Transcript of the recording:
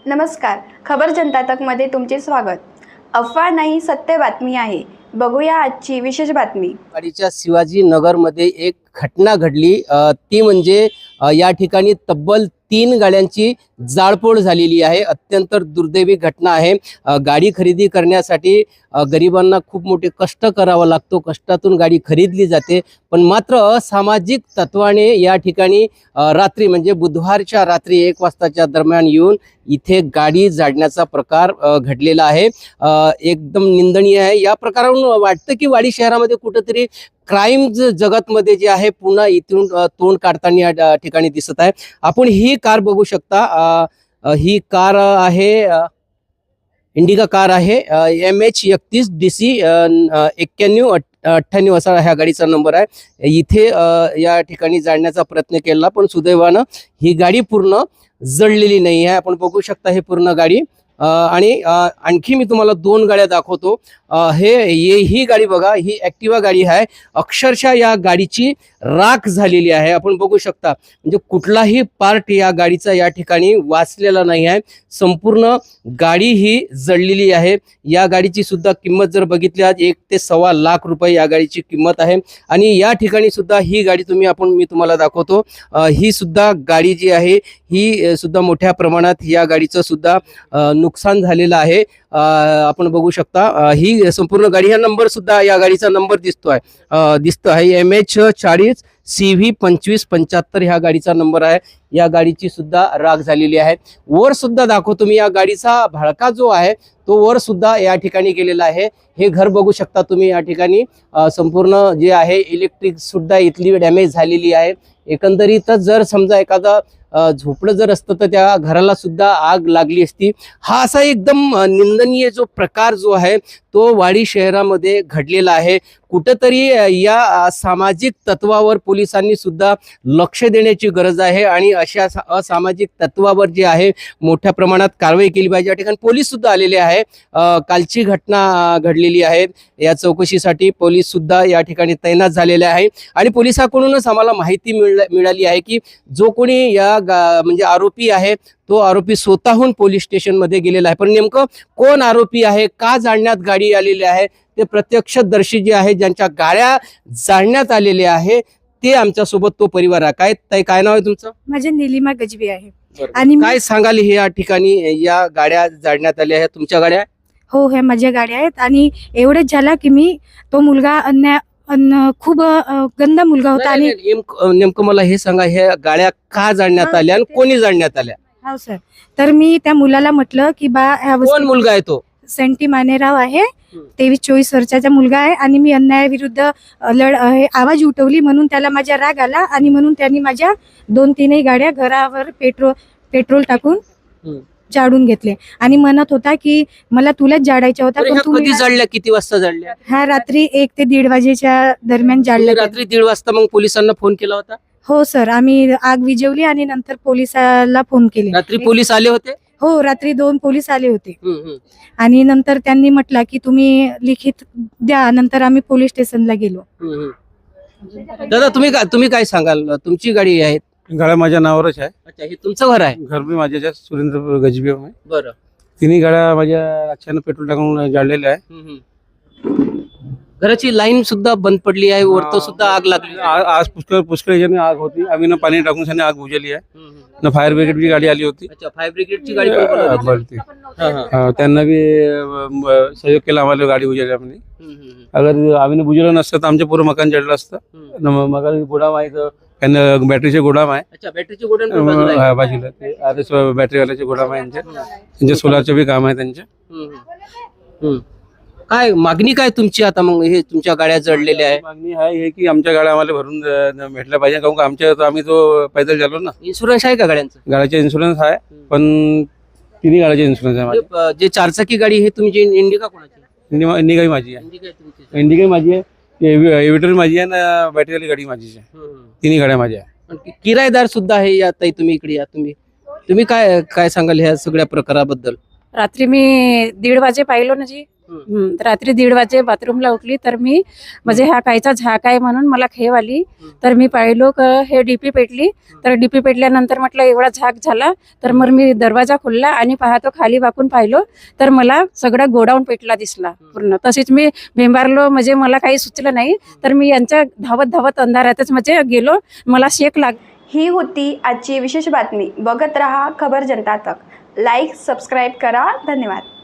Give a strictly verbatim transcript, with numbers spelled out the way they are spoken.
नमस्कार, खबर जनता तकमध्ये तुमचे स्वागत। अफवा नाही, सत्य बातमी आहे। बघूया आजची विशेष बातमी। वाडीच्या शिवाजी नगरमध्ये एक घटना घडली, अ, ती म्हणजे अ, या ठिकाणी तब्बल तीन गाड्यांची जाळपोळ झालेली आहे। अत्यंत दुर्दैवी घटना आहे। अ, गाडी खरेदी करण्यासाठी अ, गरिबांना खूप मोठे कष्ट करावा लागतो, कष्टातून गाडी खरीदली जाते, पण मात्र असामाजिक तत्वाने या ठिकाणी अ, रात्री म्हणजे बुधवारच्या रात्री एक वाजताच्या दरम्यान येऊन इथे गाडी जाळण्याचा प्रकार अ, घडलेला आहे। अ, एकदम निंदनीय आहे। या प्रकारावरून वाटतं की वाडी शहरामध्ये कुठेतरी क्राईम जगतमध्ये जे आहे पुन्हा इथून अ, तोंड काढताना या ठिकाणी दिसत आहे। आपण ही कार बघू शकता। अ, अ, ही कार आहे अ, इंडिका कार आहे, एम एच एकतीस डी सी एक्क्याण्णव अठ्ठ्याण्णव असा ह्या गाडीचा नंबर आहे। इथे अ, या ठिकाणी जाळण्याचा प्रयत्न केला, पण सुदैवानं ही गाडी पूर्ण जळलेली नाही आहे। आपण बघू शकता हे पूर्ण गाडी। अ, आणि अ, आणखी मी तुम्हाला दोन गाड्या दाखवतो। अ, हे ये ही गाडी बघा, ही ॲक्टिवा गाडी आहे। अक्षरशः या गाडीची राख झालेली आहे। आपण बघू शकता, म्हणजे कुठलाही पार्ट या गाडीचा या ठिकाणी वाचलेला नाही आहे। संपूर्ण गाडी ही जळलेली आहे। या गाडीची सुद्धा किंमत जर बघितली आज एक ते सव्वा लाख रुपये या गाडीची किंमत आहे। आणि या ठिकाणी सुद्धा ही गाडी तुम्ही आपण मी तुम्हाला दाखवतो। अ, ही सुद्धा गाडी जी आहे ही सुद्धा मोठ्या प्रमाणात या गाडीचं सुद्धा अ, नुकसान झालेलं आहे। अ, आपण बघू शकता, अ, ही संपूर्ण गाडी, हा नंबर सुद्धा या गाडीचा नंबर दिसतो आहे, अ, दिसतो आहे एम एच चाळीस सी व्ही पंचवीस पंच्याहत्तर ह्या गाडीचा नंबर आहे। या गाडीची सुद्धा राख झालेली आहे। वर सुद्धा दाखवतो मी, या गाडीचा भडका जो आहे तो वर सुद्धा या ठिकाणी गेलेला आहे। हे घर बघू शकता तुम्ही, या ठिकाणी अ, संपूर्ण जे आहे इलेक्ट्रिक सुद्धा इथली डॅमेज झालेली आहे। एकंदरीतच जर समजा एखादा अ, झोपडं जर असतं तर त्या घराला सुद्धा आग लागली असती। हा असा एकदम निंदनीय जो प्रकार जो आहे तो वाडी शहरामध्ये घडलेला आहे। कुठेतरी या सामाजिक तत्वावर पोलिसांनी सुद्धा लक्ष देण्याची गरज आहे आणि अशा असामाजिक तत्वावर जे आहे मोठ्या प्रमाणात कारवाई केली पाहिजे। या ठिकाणी पोलीस सुद्धा आलेले आहे। अ, कालची घटना घडलेली आहे, या चौकशीसाठी पोलीस सुद्धा या ठिकाणी तैनात झालेले आहे। आणि पोलिसांकडूनच आम्हाला माहिती मिळाली आहे की जो कोणी या म्हणजे आरोपी आहे तो आरोपी स्वतःहून पोलीस स्टेशन मध्ये गेलेला आहे। पण नेमकं कोण आरोपी आहे, का जाळण्यात गाडी आलेली आहे, ते प्रत्यक्षदर्शी जे आहे ज्यांच्या गाड्या जाळण्यात आलेल्या आहे ते आमच्या सोबत तो परिवार आहे। काय ताई, काय नाव आहे तुमचं? माझे नीलिमा गजबी आहे। आणि काय सांगाल, हे या ठिकाणी या गाड्या जाळण्यात आल्या आहेत, तुमच्या गाड्या? हो, ह्या माझ्या गाड्या आहेत। आणि एवढंच झालं की मी तो मुलगा अन्य अन्न खूप अ, गंदा मुलगा होता। आणि नेमकं मला हे सांगा, ह्या गाड्या का जाळण्यात आल्या आणि कोणी जाळण्यात आल्या? हो सर, तर मी त्या मुलाला म्हटलं की बा ह्या कोण मुलगा आहे तो? सेंटी मानेराव आहे, तेवीस चोवीस वर्षाचा मुलगा आहे। आणि मी अन्यायाविरुद्ध अ, लढ अ, हे आवाज उठवली म्हणून त्याला माझ्या राग आला आणि म्हणून त्यांनी माझ्या दोन तीनही गाड्या घरावर पेट्रोल पेट्रोल टाकून जाळून घेतले आणि म्हणत होता की मला तुलाच जाळायच्या होता। पण कधी जाळल्या, किती वाजता जाळल्या? ह्या रात्री एक ते दीड वाजेच्या दरम्यान जाळल्या। रात्री दीड वाजता मग पोलिसांना फोन केला होता? हो सर, आम्ही आग विझवली आणि नंतर पोलिसाला फोन केले। रात्री पोलीस आले होते? हो, रात्री दोन पोलीस आले होते। आणि नंतर त्यांनी म्हटलं की तुम्ही लिखित द्या, नंतर आम्ही पोलीस स्टेशनला गेलो। दादा, तुम्ही काय तुम्ही काय सांगाल? तुमची गाडी आहे? गाड्या माझ्या नावावरच आहे। अच्छा, हे तुमचं घर आहे? घर बी माझ्या सुरेंद्र गजबी आहे। बरं, तिन्ही गाड्या माझ्या अचानक पेट्रोल टाकून जाळलेल्या आहे। घराची लाईन सुद्धा बंद पडली आहे, वरतो सुद्धा आग लागली। आ- आज पुष्कळ पुष्कळ याच्याने आग होती, आम्ही ना पाणी टाकून त्याने आग बुझवली आहे। ना फायर ब्रिगेडची गाडी आली होती। अच्छा, फायर ब्रिगेडची गाडी पण बोलवली. बोलती. हा, हा. हा, त्यांना बी अ, म, सहयोग केला आम्हाला गाडी बुजवल्यामध्ये। हम्म, हम्म, अगर आम्ही बुजवलं नसतं तर आमचं पूर्ण मकान जळलं असतं। हम्म. न मग मग गोडाम आहे, तर त्यांना बॅटरीचे गोडाम आहे। अच्छा, बॅटरीची गोडाऊन पण बाजूला आहे. हा, बाजूला ते आर एस बॅटरीवाल्याचे गोडाम आहे त्यांचे, त्यांचे सोलारचे बी काम आहे त्यांचे। हम्म, हम्म. काय मागणी काय तुमची आता? मग हे तुमच्या गाड्या जळलेल्या आहे, मागणी आहे हे की आमच्या गाड्या आम्हाला भरून अ, भेटल्या पाहिजे, कारण का आमच्या तर आम्ही तो पैदल झालो ना। इन्शुरन्स आहे का गाड्यांचा? गाड्याचा इन्शुरन्स आहे, पण तिन्ही गाड्याचा इन्शुरन्स आहे माझ्या। जे जे चारचाकी गाडी हे तुमची इंडिका कोणाची? इंडिका इंडिका माझी आहे, इंडिका आहे तुमची. इंडिका माझी आहे, एव्हिटर माझी आहे ना, बॅटरीवाली गाडी माझी आहे। हम्म. तिन्ही गाड्या माझ्या आहे। पण कि- किरायेदार सुद्धा आहे या ताई, तुम्ही इकडे या, तुम्ही तुम्ही काय काय सांगाल ह्या सगळ्या प्रकाराबद्दल? रात्री मी दीड वाजे पाहिलो ना जी, हम्म, रात्री दीड वाजे बाथरूमला उठली तर मी म्हणजे हा कायचा झाक आहे म्हणून मला खेव आली. तर मी पाहिलो क हे डीपी पेटली. तर डीपी पेटल्यानंतर म्हटलं एवढा झाक झाला. तर मग मी दरवाजा खोलला आणि पाहतो खाली वाकून पाहिलो तर मला सगळा गोडाऊन पेटला दिसला पूर्ण. तसेच मी भेंबारलो, म्हणजे मला काही सुचलं नाही. तर मी यांच्या धावत धावत अंधारातच म्हणजे गेलो, मला शेक लाग ही होती आजची विशेष बातमी. बघत रहा खबर जनता तक. लाईक सबस्क्राईब करा. धन्यवाद.